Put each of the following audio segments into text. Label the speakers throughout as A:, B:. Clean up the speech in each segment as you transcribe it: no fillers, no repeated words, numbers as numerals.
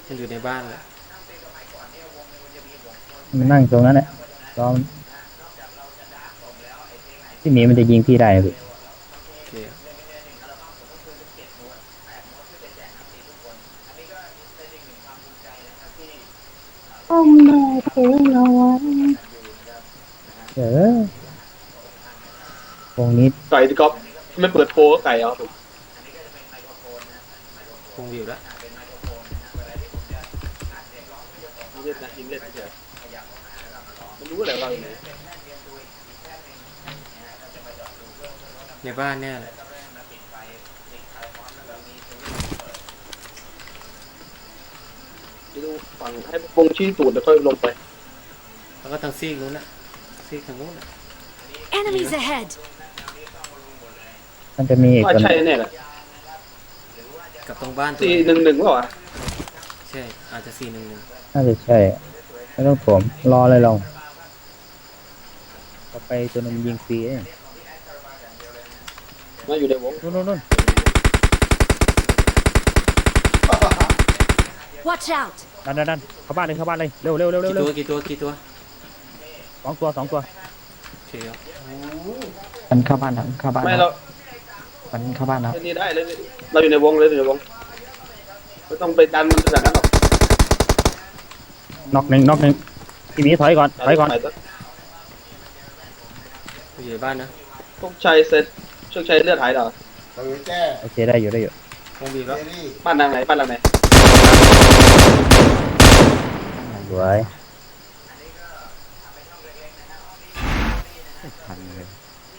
A: มันอยู่ในบ้านแหละ
B: มันนั่งตรงนั้นแหละรอที่หมีมันจะยิงพี่ได้พี่
A: โอเค
C: อ้อมแม่เธอเอาไว้
B: เออวงนี้
D: ไก่ที่ก๊อฟไม่เปิดโปรก็ไก่เอาผม
A: คงอยู่แล้ว
D: ยิงเล่นนะยิงเล่นเฉยมันรู้อะไรบ้างเนี่ย
A: ในบ้านเนี่ยแหละ
D: จะดูฝั่งให้วงชี้ตูดแล้วค่อยลงไป
A: แล้วก็ทางซีกนู้นน่ะซีกทางนู้นน่ะ
E: Enemies ahead!
B: มันจะมีอีก
D: ว่า
B: คน
D: ใช่แน่แหละ
A: กับตรงบ้านตัว
D: 411เปล่าวะ
A: ใช่อาจจะ411
B: น่าจะใช่ไม่ต้องผมรอเลยเราต่อไปตัวนึงยิงฟรีเอง
D: มาอยู่ในวง
B: นู่น
E: Watch out!
B: ดันเข้าบ้านเลยเร็ว
A: กี่ตัว
B: สองตัว
A: โอเคครับ
F: มันเข้าบ้านแล้ว
D: ไม่เรา
F: มันเข้าบ้านแล้ว
D: เล่นนี่ได้เลยเราอยู่ในวงเลยอยู่ในวงไม่ต้องไปดันมันขนาดนั้นหรอก
B: น็อกหนึ่งพี่หมีถอยก่อน
A: อยู่ในบ้านนะ
D: พวกชัยเสร็จโชคชัยเลือดหายเหรอ
B: โอเคได้อยู่
A: คงบีบแล้ว
D: บ้านนางไหนบ้านหลังไหน
B: สวย
F: ทันเลย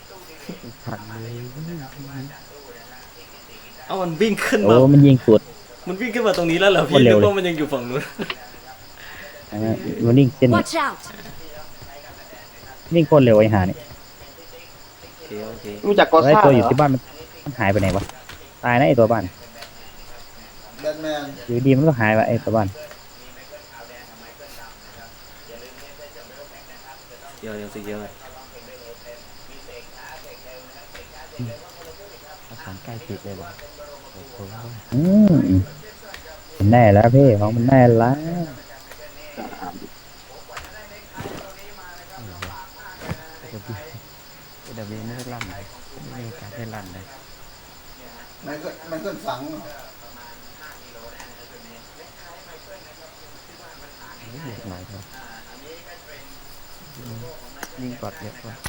A: เอ้ามันวิ่งขึ้น
B: โอ้
A: มา
B: มันยิงสุด
A: มันวิ่งขึ้นมาตรงนี้แล้วเหรอ
B: โค
A: พี่
B: ตรเร็
A: นึ
B: ว
A: ก
B: เลย
A: ว่ามันยังอยู่ฝั่งนู้น
B: มันวิ่งเส้น
E: Watch out!
B: วิ่งโคตรเร็วไอ้ห่านี่
A: โอเค
D: รู้จักกอ
B: ไอ้
D: ซ่า
B: ตัว
D: เห
B: อ
D: ร
B: ยู่
D: อ
B: ที่บ้านมันหายไปไหนวะตายนะไอ้ตัวบ้านอยู่ดีมันก็หายไปไอ้ตัวบ้าน
A: ยังสิเยอะ
F: ภาษาใกล้ติดเลยเหรอโอ้โห
B: อืมมันแน่แล้วพี่ของมันแน่แล้ว
F: เดี๋ยวไม่ได้ลั่นเลยไม่มีโอกาสได้ลั่นเลย
G: มันก็ฝัง
F: เยอะหน่อยครับยิงกอดเยอะกว่า